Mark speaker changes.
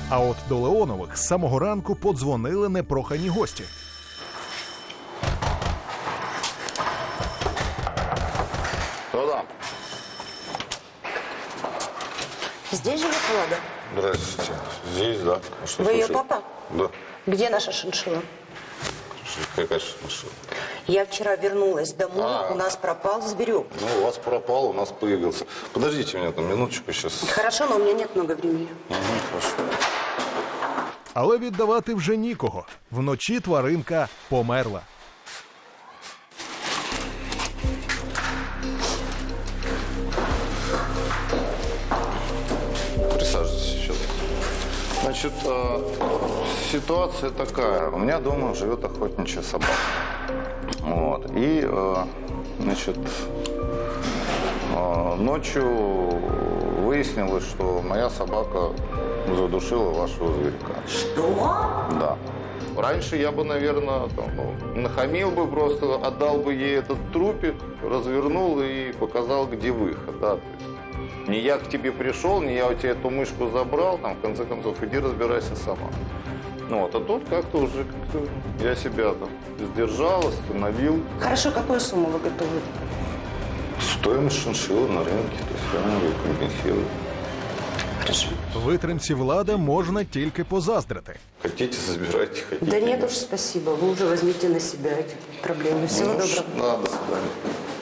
Speaker 1: А от до Леонових з самого ранку подзвонили непрохані гості.
Speaker 2: Да.
Speaker 3: Здесь живет Влада?
Speaker 2: Здравствуйте. Здесь, да. А что
Speaker 3: Вы ее
Speaker 2: случилось?
Speaker 3: папа?
Speaker 2: Да.
Speaker 3: Где наша шиншилла?
Speaker 2: Какая шиншилла?
Speaker 3: Я вчера вернулась домой, у нас пропал зверек.
Speaker 2: Ну, у вас пропал, у нас появился. Подождите меня там минуточку сейчас.
Speaker 3: Хорошо, но у меня нет много времени.
Speaker 2: Хорошо.
Speaker 1: Але віддавати вже нікого. Вночі тваринка померла.
Speaker 2: Присаживайтесь сейчас. Значит, ситуация такая. У меня дома живет охотничья собака. Вот. И, значит, ночью выяснилось, что моя собака задушила вашего зверька.
Speaker 3: Что?
Speaker 2: Да. Раньше я бы, наверное, нахамил бы просто, отдал бы ей этот трупик, развернул и показал, где выход. Да? То есть, не я к тебе пришел, не я у тебя эту мышку забрал, там, в конце концов, иди разбирайся сама. Ну, вот, а тут как-то уже я себя там сдержал, остановил.
Speaker 3: Хорошо, какую сумму вы готовы?
Speaker 2: Стоимость шиншиллы на рынке, то есть я могу компенсировать.
Speaker 3: Хорошо.
Speaker 1: Витримці Влада можна тільки позаздрити.
Speaker 2: Хотите, забирайте, хотите.
Speaker 3: Да нет уж, спасибо. Вы уже возьмите на себя эти проблемы. Всего доброго.
Speaker 2: Да, до свидания.